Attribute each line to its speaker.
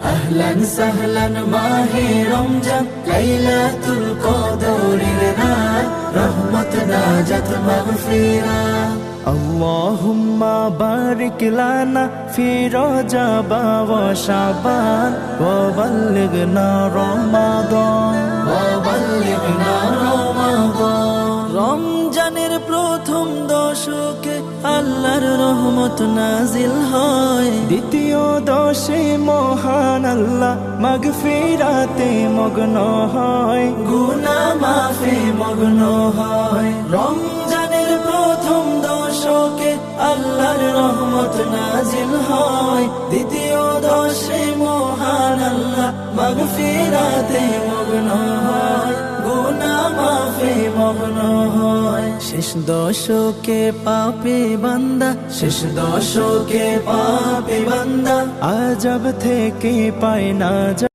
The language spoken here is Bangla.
Speaker 1: আহলান সাহলান মাহে রমজান, লাইলাতুল কদরের রাত, রহমত নাজাত মাগফিরাত।
Speaker 2: اللهم بارك لنا في رجب وشعبان وبلغنا رمضان
Speaker 1: وبلغنا رمضان।
Speaker 2: রমজানের প্রথম দশকে আল্লাহর রহমত নাজিল হয়, দ্বিতীয় দশে মহান আল্লাহ মাগফিরাতে মগ্ন হয়,
Speaker 1: গুনাহ মাফে মগ্ন হয়।
Speaker 2: রমজানের প্রথম দশকে আল্লাহর রহমত নাজিল হয়, দ্বিতীয় দশে মহান আল্লাহ মাগফিরাতে মগ্ন হয়, গুনাহ মাফে মগ্ন হয়। শেষ দশকে পাপী বান্দা,
Speaker 1: শেষ দশকে পাপী বান্দা
Speaker 2: আযাব থেকে পায় না